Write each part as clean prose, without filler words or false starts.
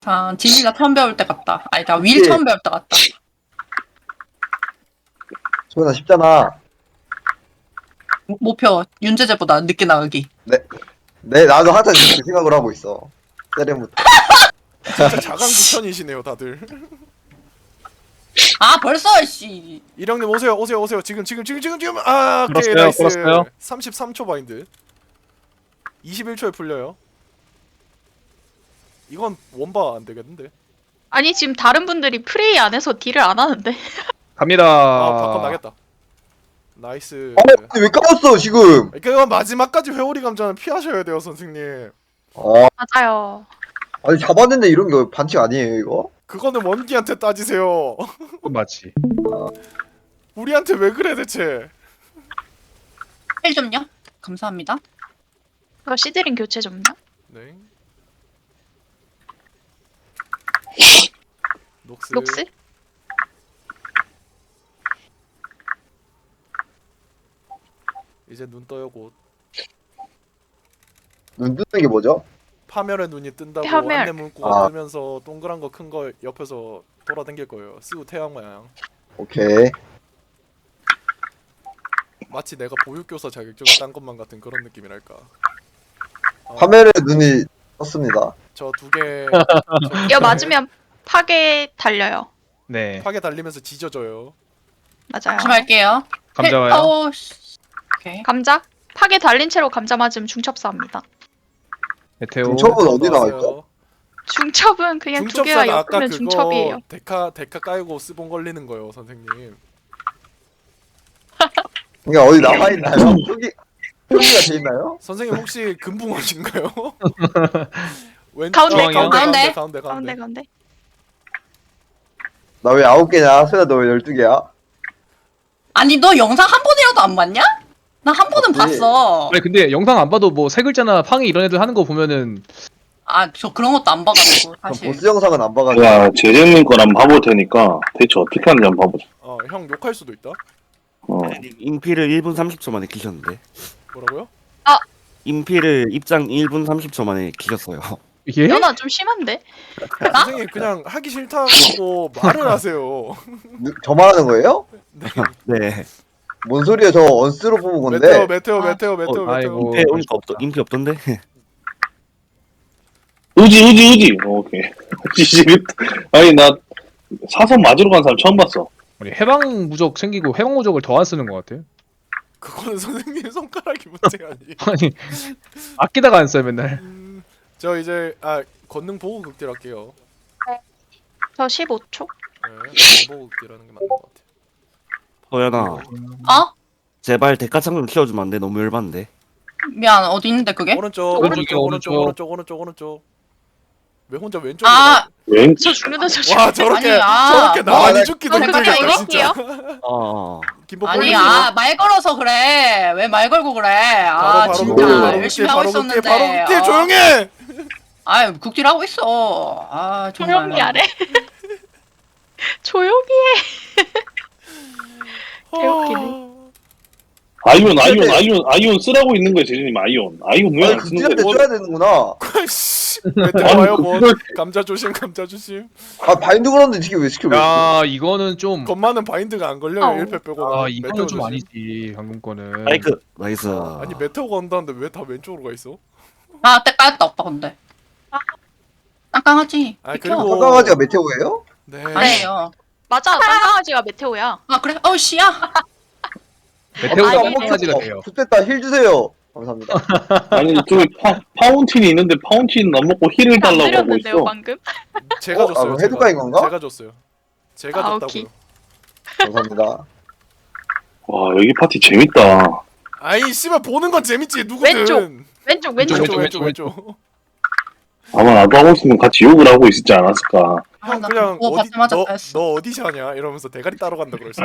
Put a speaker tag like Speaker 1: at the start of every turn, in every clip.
Speaker 1: 자, 진이가 처음 배울 때 같다. 아니, 나 윌 처음 배울 때 같다.
Speaker 2: 소연아 쉽잖아.
Speaker 1: 목표, 윤재재보다 늦게 나가기.
Speaker 2: 네, 나도 항상 그렇게 생각을 하고 있어. 세렘부터.
Speaker 3: 진짜 자강구천이시네요 다들.
Speaker 1: 아, 벌써, 씨.
Speaker 3: 이령님 오세요. 지금. 아, 오케이,
Speaker 4: 풀었어요,
Speaker 3: 나이스.
Speaker 4: 풀었어요.
Speaker 3: 33초 바인드. 21초에 풀려요. 이건 원바 안 되겠는데.
Speaker 5: 아니 지금 다른 분들이 프레이 안 해서 딜을 안 하는데.
Speaker 4: 갑니다.
Speaker 3: 아, 바꿔 나겠다. 나이스.
Speaker 2: 근데 왜 까웠어 지금?
Speaker 3: 그건 마지막까지 회오리 감자는 피하셔야 돼요, 선생님.
Speaker 5: 맞아요.
Speaker 2: 아니 잡았는데 이런 게 반칙 아니에요 이거?
Speaker 3: 그거는 원기한테 따지세요.
Speaker 4: 그건 맞지.
Speaker 3: 우리한테 왜 그래 대체?
Speaker 1: 힐 좀요. 감사합니다.
Speaker 5: 이거 시드링 교체 좀요.
Speaker 3: 네. 녹스.
Speaker 5: 녹스?
Speaker 3: 이제 눈 떠요 곧.
Speaker 2: 눈 뜨는 게 뭐죠?
Speaker 3: 파멸의 눈이 뜬다고
Speaker 5: 파멸.
Speaker 3: 안내 문구가
Speaker 2: 아.
Speaker 3: 뜨면서 동그란 거 큰 거 옆에서 돌아다닐 거예요. 스우 태양 모양.
Speaker 2: 오케이.
Speaker 3: 마치 내가 보육교사 자격증을 딴 것만 같은 그런 느낌이랄까.
Speaker 2: 화면에 눈이 떴습니다.
Speaker 3: 저 두 개
Speaker 5: 이거 맞으면 파괴 달려요.
Speaker 4: 네.
Speaker 3: 파괴 달리면서 지져져요.
Speaker 5: 맞아요.
Speaker 1: 조심할게요.
Speaker 4: 감자 와요.
Speaker 1: 어우, 씨. 오케이.
Speaker 5: 감자? 파괴 달린 채로 감자 맞으면 중첩사합니다.
Speaker 4: 메테오.
Speaker 2: 중첩은 어디 나와 있죠?
Speaker 5: 중첩은 그냥 두 개가
Speaker 3: 중첩사가 아까
Speaker 5: 엮으면
Speaker 3: 그거
Speaker 5: 중첩이에요.
Speaker 3: 데카 깔고 스본 걸리는 거요, 선생님.
Speaker 2: 이게 어디 나와 있나요? 표기가 돼 있나요?
Speaker 3: 선생님 혹시 금붕어신가요? 왼
Speaker 5: 가운데,
Speaker 3: 가운데.
Speaker 5: 가운데 가운데.
Speaker 2: 나 왜 9개냐? 소연아 너 왜 12개야?
Speaker 1: 아니, 너 영상 한 번이라도 안 봤냐? 나 한 번은
Speaker 2: 봤지.
Speaker 1: 봤어.
Speaker 4: 아니 근데 영상 안 봐도 뭐 세 글자나 팡이 이런 애들 하는 거 보면은
Speaker 1: 아, 저 그런 것도 안 봐가지고,
Speaker 2: 전
Speaker 1: 사실.
Speaker 2: 보스 영상은 안 봐가지고.
Speaker 6: 제가 재재님 걸 한번 봐볼 테니까 대체 어떻게 하는지 한번 봐보자.
Speaker 3: 형 욕할 수도 있다.
Speaker 7: 인피를 1분 30초 만에 키셨는데
Speaker 3: 뭐라고요?
Speaker 7: 인피를 입장 1분 30초 만에 키셨어요.
Speaker 4: 이게
Speaker 5: 연아 좀 심한데?
Speaker 3: 선생님 그냥 하기 싫다고 말을 하세요.
Speaker 2: 저 말하는 거예요?
Speaker 7: 네.
Speaker 2: 뭔 소리야? 저 언스로 뽑은 건데.
Speaker 3: 메테오.
Speaker 4: 아이고.
Speaker 7: 인피 없던데.
Speaker 6: 의지. 오케이. 아니 나 사선 맞으러 간 사람 처음 봤어.
Speaker 4: 아니, 해방 무적 생기고 해방 무적을 더 안 쓰는 것 같아.
Speaker 3: 그거는 선생님 손가락이 문제가 아니.
Speaker 4: 아니 아끼다가 안 써요 맨날.
Speaker 3: 저 이제 권능 보고 극딜할게요.
Speaker 5: 저 15초?
Speaker 3: 네, 권능 보고 극딜하는 게 맞는 것 같아.
Speaker 7: 서연아,
Speaker 1: 어?
Speaker 7: 제발 대가창 좀 키워주면 안 돼? 너무 열받는데.
Speaker 1: 미안, 어디 있는데, 그게?
Speaker 3: 오른쪽. 왜 혼자 왼쪽으로?
Speaker 1: 아,
Speaker 6: 웬?
Speaker 5: 저 죽는다 저
Speaker 3: 와 저렇게
Speaker 1: 아니,
Speaker 3: 저렇게 나만이
Speaker 2: 나-
Speaker 3: 죽기도
Speaker 5: 잠깐만
Speaker 3: 힘들겠다 진짜.
Speaker 5: 이럴게요.
Speaker 3: 김밥
Speaker 1: 아니,
Speaker 3: 올리세요.
Speaker 1: 말 걸어서 그래. 왜 말 걸고 그래? 아,
Speaker 3: 바로
Speaker 1: 진짜.
Speaker 6: 바로
Speaker 1: 열심히 하고 있었는데.
Speaker 3: 바로 극딜
Speaker 1: 아.
Speaker 3: 조용해.
Speaker 1: 아유, 국딜 하고 있어. 아, 정말.
Speaker 5: 조용히 하래. 조용히 해. 개웃기네.
Speaker 6: 아이온 쓰라고 있는 거야 재재님 아이온 왜
Speaker 2: 아니
Speaker 6: 안 쓰는
Speaker 2: 극딜한테
Speaker 6: 거야?
Speaker 2: 써야 되는구나.
Speaker 3: 씨. 와요 뭐. 감자 조심.
Speaker 2: 아 바인드 걸었는데 이게 왜 시켜? 왜 시켜?
Speaker 4: 야 이거는 좀.
Speaker 3: 겁많은 바인드가 안 걸려요.
Speaker 5: 아우.
Speaker 3: 1패 빼고.
Speaker 4: 아 이거는 좀 아니지 방금 거는.
Speaker 7: 나이스.
Speaker 3: 아니 메테오가 온다는데 왜 다 왼쪽으로 가 있어?
Speaker 1: 아, 때 까였다, 오빠, 근데. 깜깜하지?
Speaker 3: 아,
Speaker 1: 비켜.
Speaker 3: 그리고-
Speaker 2: 건강하지가 메테오예요?
Speaker 3: 네.
Speaker 1: 아니에요.
Speaker 5: 맞아, 딴강아지가 메테오야.
Speaker 1: 아, 그래? 어우, 씨야.
Speaker 4: 메테오가
Speaker 5: 아니,
Speaker 4: 뽕강아지가 돼요.
Speaker 2: 좋됐다 힐 주세요. 감사합니다.
Speaker 6: 아니 저기 파운틴이 있는데 파운틴 안 먹고 힐을
Speaker 5: 안
Speaker 6: 달라고 하고
Speaker 5: 드렸는데요
Speaker 6: 있어.
Speaker 5: 방금?
Speaker 3: 제가 줬어요.
Speaker 2: 그럼 헤드가인 건가?
Speaker 3: 제가 줬어요. 제가
Speaker 5: 아,
Speaker 3: 줬다고요.
Speaker 5: 오케이.
Speaker 2: 감사합니다.
Speaker 6: 와 여기 파티 재밌다.
Speaker 3: 아이 씨발 보는 건 재밌지 누구든.
Speaker 5: 왼쪽.
Speaker 3: 왼쪽.
Speaker 6: 아마 나도 하고 있으면 같이 욕을 하고 있었지 않았을까.
Speaker 1: 아,
Speaker 3: 형
Speaker 1: 나
Speaker 3: 그냥
Speaker 1: 그거
Speaker 3: 어디
Speaker 1: 받자마자
Speaker 3: 너
Speaker 1: 까였어.
Speaker 3: 어디샤냐 이러면서 대가리 따러 간다 그랬어.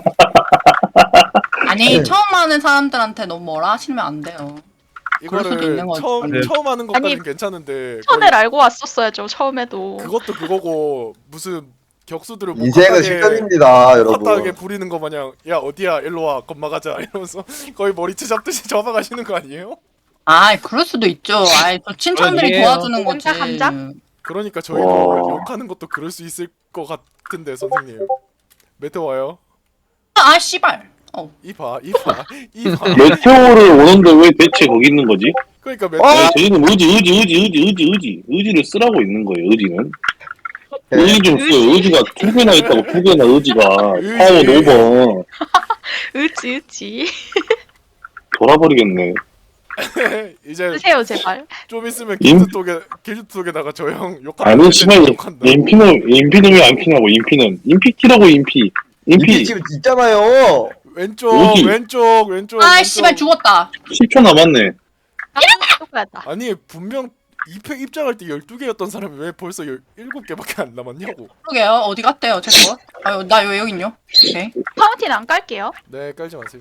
Speaker 1: 아니, 처음 하는 사람들한테 너무 뭐라 하시면 안 돼요. 그럴 수도
Speaker 3: 이거를
Speaker 1: 있는 거지.
Speaker 3: 처음 하는 것까지는
Speaker 5: 아니,
Speaker 3: 괜찮은데
Speaker 5: 천을 알고 왔었어야죠 처음에도.
Speaker 3: 그것도 그거고 무슨 격수들을
Speaker 2: 인생은 실전입니다,
Speaker 3: 헛하게
Speaker 2: 여러분.
Speaker 3: 부리는 거 마냥 야 어디야 일로 와 겁마 가자 이러면서 거의 머리채 잡듯이 잡아가시는 거 아니에요?
Speaker 1: 아, 그럴 수도 있죠. 아이, 저 친척들이
Speaker 4: 아니에요.
Speaker 1: 도와주는 거지.
Speaker 5: 감자?
Speaker 3: 그러니까 저희도
Speaker 6: 와.
Speaker 3: 욕하는 것도 그럴 수 있을 것 같은데 선생님. 메테오 와요.
Speaker 1: 아 씨발.
Speaker 3: 이봐.
Speaker 6: 메테오를 오는데 왜 대체 거기 있는 거지?
Speaker 3: 그러니까
Speaker 6: 아니, 저희는 의지를 쓰라고 있는 거예요. 의지는. 의지 좀 써요. 의지가 2개나 있다고 2개나 의지가
Speaker 3: 의지.
Speaker 6: 파워 5번
Speaker 5: 으지.
Speaker 6: 돌아버리겠네.
Speaker 3: 이제
Speaker 5: 쓰세요 제발.
Speaker 3: 좀 있으면
Speaker 6: 임-
Speaker 3: 길드 쪽에다가 저 형 욕한다.
Speaker 6: 아니 씨발
Speaker 3: 욕한다.
Speaker 6: 인피는 왜 안 피냐고. 인피 키라고 인피
Speaker 2: 인피 지금 있잖아요.
Speaker 3: 왼쪽
Speaker 6: 여기.
Speaker 3: 왼쪽.
Speaker 1: 아 씨발 죽었다.
Speaker 6: 10초 남았네.
Speaker 5: 똑같다.
Speaker 3: 아니 분명 입장할 때 12개였던 사람이 왜 벌써 17개밖에 안 남았냐고.
Speaker 1: 그러게요. 어디 갔대요 제 거? 아유 나 왜 여기 있냐? 오케이.
Speaker 5: 파운틴 안 깔게요.
Speaker 3: 네 깔지 마세요.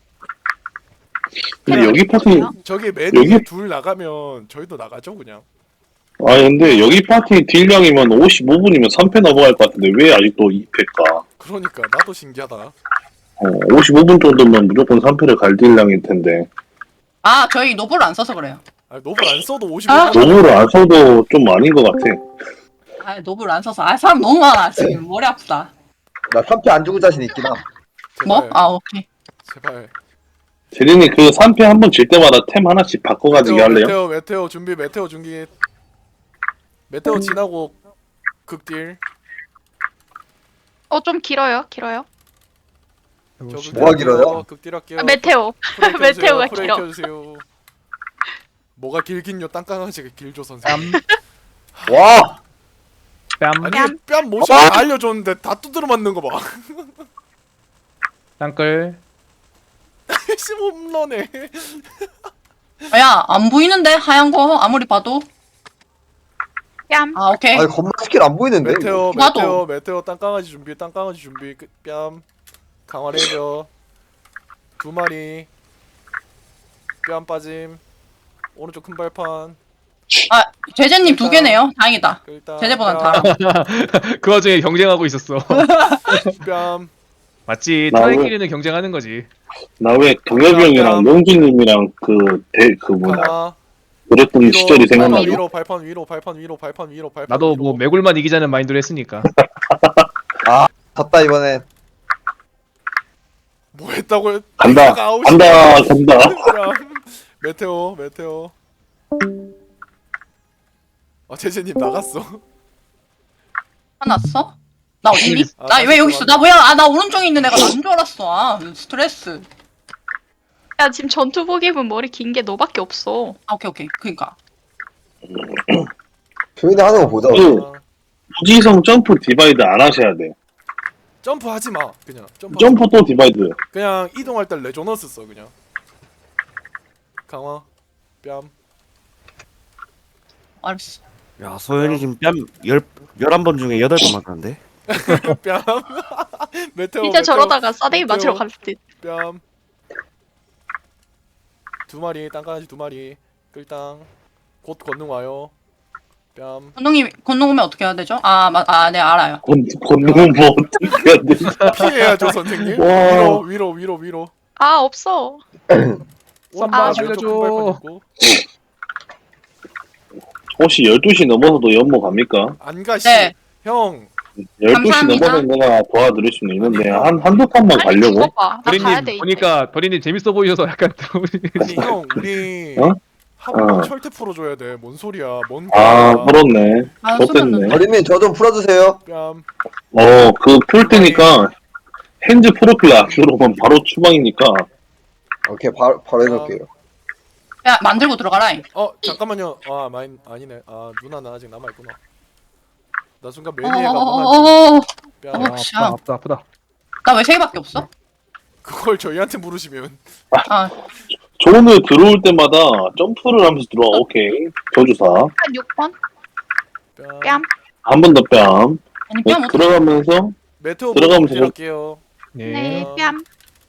Speaker 6: 근데 여기 파티
Speaker 3: 저기 맨 위에
Speaker 6: 여기-
Speaker 3: 둘 나가면 저희도 나가죠 그냥.
Speaker 6: 아니 근데 여기 파티 딜량이면 55분이면 3패 넘어갈 것 같은데 왜 아직도 2패일까?
Speaker 3: 그러니까 나도 신기하다.
Speaker 6: 55분 정도면 무조건 3패를 갈 딜량일 텐데
Speaker 1: 아 저희 노블 안 써서 그래요.
Speaker 3: 아 노블 안 써도 55분.
Speaker 1: 아.
Speaker 6: 노브를 안 써도 좀 아닌 것 같아.
Speaker 1: 아 노블 안 써서 아 사람 너무 많아 지금 머리 아프다.
Speaker 2: 나 3패 안 주고 자신 있긴 함.
Speaker 1: 뭐? 아 오케이.
Speaker 3: 제발.
Speaker 6: 제린이 그 3패 한 번 질 때마다 템 하나씩 바꿔가지고 할래요?
Speaker 3: 메테오 준비. 메테오 지나고 극딜.
Speaker 5: 좀 길어요.
Speaker 3: 저
Speaker 2: 뭐가 길어요?
Speaker 3: 극딜 할게요.
Speaker 5: 메테오.
Speaker 3: 프레이 켜주세요.
Speaker 5: 메테오가
Speaker 3: 프레이
Speaker 5: 길어.
Speaker 3: 켜주세요. 뭐가 길긴요? 땅강아지가 길죠 선생님.
Speaker 2: 와.
Speaker 4: 뺨.
Speaker 3: 아니 뺨 모션 다 알려줬는데 다 두드려 맞는 거 봐.
Speaker 4: 땅끌.
Speaker 3: 씨 홈런해.
Speaker 1: 야 안 보이는데 하얀 거 아무리 봐도.
Speaker 5: 뺨.
Speaker 1: 아 오케이.
Speaker 2: 아니 건마 스킬 안 보이는데.
Speaker 3: 메테오 땅강아지 준비. 뺨 강화레이저 2마리. 뺨 빠짐. 오른쪽 큰 발판.
Speaker 1: 아 제재님 2개네요. 다행이다.
Speaker 3: 일단
Speaker 1: 제재보단 다.
Speaker 4: 그 와중에 경쟁하고 있었어.
Speaker 3: 뺨.
Speaker 4: 맞지.
Speaker 6: 나 왜-
Speaker 4: 트라이끼리는 경쟁하는 거지.
Speaker 6: 나 왜 동엽이 형이랑 명준님이랑
Speaker 3: 강화.
Speaker 6: 그랬던 시절이 생각나고
Speaker 3: 위로 발판 위로.
Speaker 4: 나도 뭐 매골만 이기자는 마인드로 했으니까.
Speaker 2: 졌다 이번엔.
Speaker 3: 뭐 했다고요?
Speaker 6: 간다
Speaker 3: 내가 아웃이야.
Speaker 6: 간다
Speaker 3: 야, 메테오. 제재님 나갔어.
Speaker 1: 화났어? 나 어딨니?
Speaker 3: 아,
Speaker 1: 나 왜 여기 있어? 나 뭐야? 아 나 오른쪽에 있는 애가 난 줄 알았어. 아 스트레스.
Speaker 5: 야 지금 전투복 입은 머리 긴 게 너밖에 없어.
Speaker 1: 아 오케이. 그니까.
Speaker 2: 조인이 하는 거 보자.
Speaker 6: 응. 무지성 점프 디바이드 안 하셔야 돼.
Speaker 3: 점프 하지 마. 그냥
Speaker 6: 점프 또 디바이드.
Speaker 3: 그냥 이동할 때 레조너스 써 그냥. 강화. 뺨.
Speaker 1: 알았어.
Speaker 7: 야 소연이 지금 뺨 11번 중에 8번 맞았는데.
Speaker 3: 뺨. 메테오.
Speaker 5: 진짜 저러다가 싸대기
Speaker 3: 메테오.
Speaker 5: 맞으러 갈 듯.
Speaker 3: 뺨. 2마리 땅강아지 2마리. 끌땅. 곧 건능 와요. 뺨.
Speaker 1: 건능 오면 어떻게 해야 되죠? 네 알아요.
Speaker 6: 걷는 뭐 어떻게 해야 돼?
Speaker 3: 피해야죠 선생님.
Speaker 6: 와.
Speaker 3: 위로.
Speaker 5: 아 없어.
Speaker 4: 쌈바
Speaker 3: 왼쪽
Speaker 4: 살려줘.
Speaker 3: 큰 발판 있고.
Speaker 6: 혹시 12시 넘어서도 연모 갑니까?
Speaker 3: 안 가시.
Speaker 1: 네.
Speaker 3: 형.
Speaker 6: 12시
Speaker 1: 감사합니다.
Speaker 6: 넘어서 내가 도와드릴 수는 있는데 한두 판만
Speaker 5: 아니
Speaker 6: 가려고?
Speaker 5: 죽어봐. 나 가야 돼
Speaker 4: 도리님
Speaker 5: 이제.
Speaker 4: 보니까 도리님 재밌어 보이셔서 약간
Speaker 3: 아니 형 우리
Speaker 6: 어?
Speaker 3: 한번 철퇴 풀어줘야 돼. 뭔 소리야? 뭔
Speaker 6: 아
Speaker 3: 거야?
Speaker 6: 그렇네.
Speaker 1: 아
Speaker 6: 좆됐네.
Speaker 1: 쓰셨는데.
Speaker 2: 어린이 저 좀 풀어주세요.
Speaker 3: 뺨.
Speaker 6: 그 풀 때니까 핸즈 프로필 안 들어오면 바로 추방이니까.
Speaker 2: 오케이 바로 해놓을게요.
Speaker 1: 야 만들고 들어가라.
Speaker 3: 잠깐만요. 아니네. 누나는 아직 남아 있구나. 나 순간 매니아가 뭔지.
Speaker 1: 어어어어.
Speaker 3: 뺨.
Speaker 1: 샤.
Speaker 4: 아프다.
Speaker 1: 나 왜 3개밖에 없어?
Speaker 3: 그걸 저희한테 물으시면
Speaker 1: 아
Speaker 6: 존을 들어올 때마다 점프를 하면서 들어와. 오케이. 저주사.
Speaker 5: 한 6번. 뺨.
Speaker 6: 한 번 더 뺨.
Speaker 1: 아니 뺨 어떻게?
Speaker 6: 들어가면서
Speaker 3: 메테오
Speaker 6: 들어가면
Speaker 3: 보고 할게요.
Speaker 4: 네.
Speaker 5: 네. 뺨.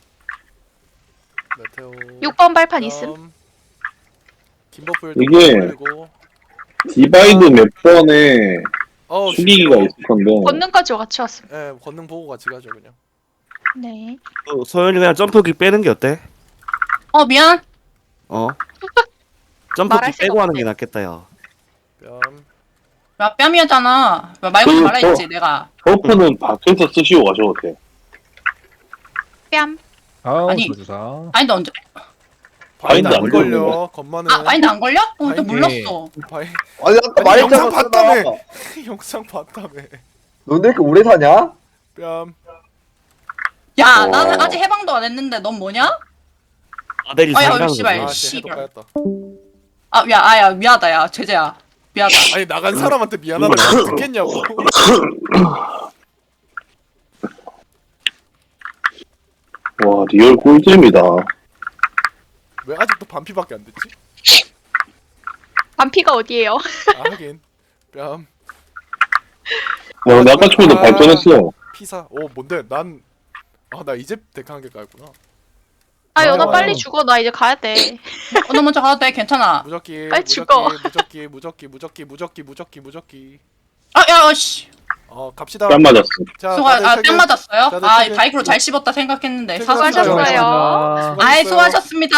Speaker 3: 메테오.
Speaker 5: 6번 발판 있음.
Speaker 3: 김버프
Speaker 6: 이게
Speaker 3: 올리고.
Speaker 6: 디바이드 몇 번에 숙이기가
Speaker 3: 죽여.
Speaker 6: 있을 건데.
Speaker 5: 권능까지 같이 왔음.
Speaker 3: 예, 권능 보고 같이 가죠 그냥.
Speaker 5: 네.
Speaker 7: 소연이 그냥 점프기 빼는 게 어때?
Speaker 1: 미안.
Speaker 7: 점프기
Speaker 5: 말할 수가
Speaker 7: 빼고 하는
Speaker 5: 없네.
Speaker 7: 게 낫겠다 야.
Speaker 3: 뺨.
Speaker 1: 야 뺨이었잖아. 말 걸지 말라 했지 내가.
Speaker 6: 버프는 밖에서 쓰시고 가셔도 돼.
Speaker 5: 뺨.
Speaker 4: 아우
Speaker 1: 아니.
Speaker 4: 조주사.
Speaker 1: 아니 너 언제?
Speaker 3: 바인드 안
Speaker 6: 안
Speaker 3: 걸려.
Speaker 6: 걸려.
Speaker 3: 건마는.
Speaker 1: 아 아니 나안 걸려? 어, 나
Speaker 3: 아니,
Speaker 1: 몰랐어.
Speaker 3: 바인
Speaker 2: 아니 아까
Speaker 3: 아니,
Speaker 2: 말했잖아.
Speaker 3: 영상 봤다며.
Speaker 2: 쓰라고.
Speaker 3: 영상 봤다며.
Speaker 2: 너네 이렇게 오래 사냐?
Speaker 3: 뺨.
Speaker 1: 야
Speaker 6: 어.
Speaker 1: 나는 아직 해방도 안 했는데 넌 뭐냐?
Speaker 7: 아델이
Speaker 1: 아, 야,
Speaker 7: 상당히
Speaker 1: 씨발.
Speaker 7: 좋아.
Speaker 3: 아씨 해도
Speaker 1: 씨발.
Speaker 3: 까였다.
Speaker 1: 아야 미안하다 야 제재야 미안하다.
Speaker 3: 아니 나간 사람한테 미안하다고 듣겠냐고.
Speaker 6: 와 리얼 꿀잼이다.
Speaker 3: 왜 아직도 반피밖에 안 됐지?
Speaker 5: 반피가 어디예요?
Speaker 3: 아 하긴. 뺨.
Speaker 6: 와 근데 아까 초에도 발전했어.
Speaker 3: 피사. 오 뭔데 난. 아 나 이제 데카 한 개 깔구나.
Speaker 5: 아 연아
Speaker 1: 어.
Speaker 5: 빨리 죽어. 나 이제 가야 돼.
Speaker 1: 너 먼저 가도 돼 괜찮아.
Speaker 3: 무적기.
Speaker 5: 빨리 죽어.
Speaker 3: 무적기.
Speaker 1: 아야 씨.
Speaker 3: 갑시다.
Speaker 6: 뺨 맞았어.
Speaker 3: 자,
Speaker 1: 수고
Speaker 3: 다들
Speaker 1: 아
Speaker 3: 퇴근.
Speaker 1: 뺨 맞았어요?
Speaker 3: 다들
Speaker 1: 아
Speaker 3: 퇴근.
Speaker 1: 바이크로 잘 씹었다 생각했는데
Speaker 3: 퇴근.
Speaker 1: 사수하셨어요.
Speaker 5: 수고하셨어요.
Speaker 1: 아이 수고하셨습니다.